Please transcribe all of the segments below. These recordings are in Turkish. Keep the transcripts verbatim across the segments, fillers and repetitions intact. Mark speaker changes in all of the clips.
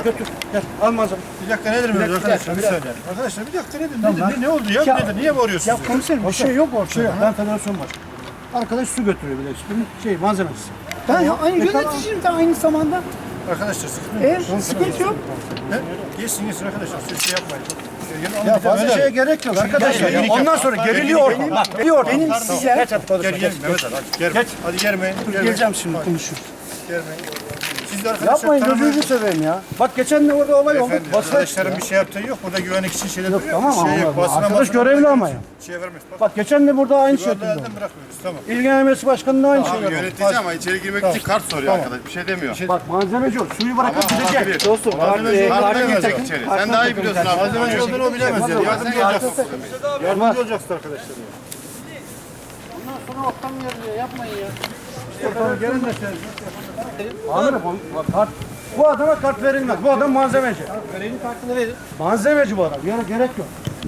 Speaker 1: götür. Gel al malzeme.
Speaker 2: Bir dakika nedir mi arkadaşlar? Bir saniye. Arkadaşlar bir dakika nedir? Nedir? Ne oldu ya?
Speaker 1: Ya-
Speaker 2: Nedir? Niye bağırıyorsunuz?
Speaker 1: Ya komiserim bir şey yok ortada. Ben federasyon başkanı. Arkadaş su götürüyor bile. Bunun şey malzemesi.
Speaker 3: Ben aynı
Speaker 1: E, tamam.
Speaker 3: yöneticiyim de aynı zamanda.
Speaker 2: Arkadaşlar sıkıntı yok.
Speaker 3: E, sıkıntı yok.
Speaker 2: He? Geçsin geçsin arkadaşlar. Siz şey yapmayın.
Speaker 1: Ya fazla şeye gerek yok arkadaşlar.
Speaker 2: Gel,
Speaker 1: Ya.
Speaker 2: gel,
Speaker 1: Ondan
Speaker 2: gel.
Speaker 1: sonra
Speaker 2: Bak,
Speaker 1: geriliyor
Speaker 2: gel,
Speaker 1: ortam.
Speaker 2: gel.
Speaker 1: Bak geriliyor ortam.
Speaker 3: Benim
Speaker 1: Tamam.
Speaker 3: size-
Speaker 1: Geç hadi konuşma.
Speaker 2: Gel
Speaker 1: Geç,
Speaker 2: gel Mehmet Ali. Hadi germe.
Speaker 1: Geç.
Speaker 2: Hadi germeyin. germeyin.
Speaker 1: Geleceğim şimdi konuşuruz.
Speaker 2: Germeyin. Siz de arkadaşlar
Speaker 1: Yapmayın
Speaker 2: tanımayın.
Speaker 1: gözünüzü seveyim ya. Bak geçen de orada olay oldu.
Speaker 2: Efendim,
Speaker 1: Basın
Speaker 2: arkadaşların bir şey yaptığı yok. Burada güvenlik için şeyler
Speaker 1: Yok,
Speaker 2: duruyor.
Speaker 1: tamam
Speaker 2: şey
Speaker 1: ama
Speaker 2: yok. Basına
Speaker 1: arkadaş
Speaker 2: basına
Speaker 1: görevli
Speaker 2: basına
Speaker 1: ama ya.
Speaker 2: Şey vermez. Bak,
Speaker 1: Bak geçen de burada aynı şekilde
Speaker 2: güvenli
Speaker 1: oldu.
Speaker 2: elden bırakmıyoruz. Tamam.
Speaker 1: İlgilenmesi başkanının aynı şeyler oldu.
Speaker 4: Yönetici ama içeri girmek için kart soruyor arkadaş. Bir şey demiyor.
Speaker 1: Bak malzemeci o. Suyu bırakıp gidecek.
Speaker 4: olabilir.
Speaker 1: Dostum
Speaker 2: Malzemeci
Speaker 1: kart-
Speaker 2: olduğunu
Speaker 1: e,
Speaker 2: bilemez
Speaker 1: takım-
Speaker 2: yok
Speaker 4: İçeri.
Speaker 1: kart
Speaker 4: Sen daha iyi
Speaker 1: takım
Speaker 4: biliyorsun
Speaker 1: takım.
Speaker 4: abi.
Speaker 2: Malzemeci olduğunu o bilemez ya. Yardımcı olacaksın. Yardımcı olacaksın arkadaşlar.
Speaker 1: Ondan sonra ortam yarılıyor. Yapmayın ya. Ortam gelin de sen. Amirim bak, kart. Bu adama kart verilmez. Bu adam malzemeci.
Speaker 3: Görevli kartını verin.
Speaker 1: Malzemeci bu adam. Gerek, gerek yok.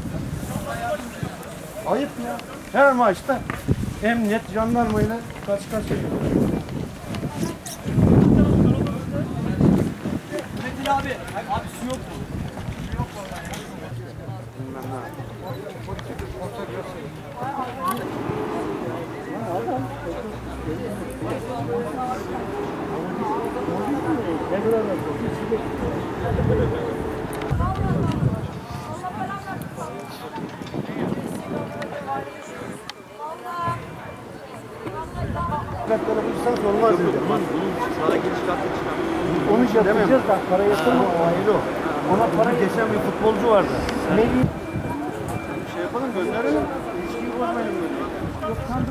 Speaker 1: Ayıp ya. Her maçta emniyet, jandarmayla karşı karşıya geliyor.
Speaker 3: Metin abi. Abi su yok mu?
Speaker 1: Kartlara bu lisans olmaz dedi. Onu şey yapacağız da para yatırma o ayrı o. Ona para geçen bir futbolcu vardı. Ne şey yapalım gönderelim. İlişkiyi bozmayalım. Yok,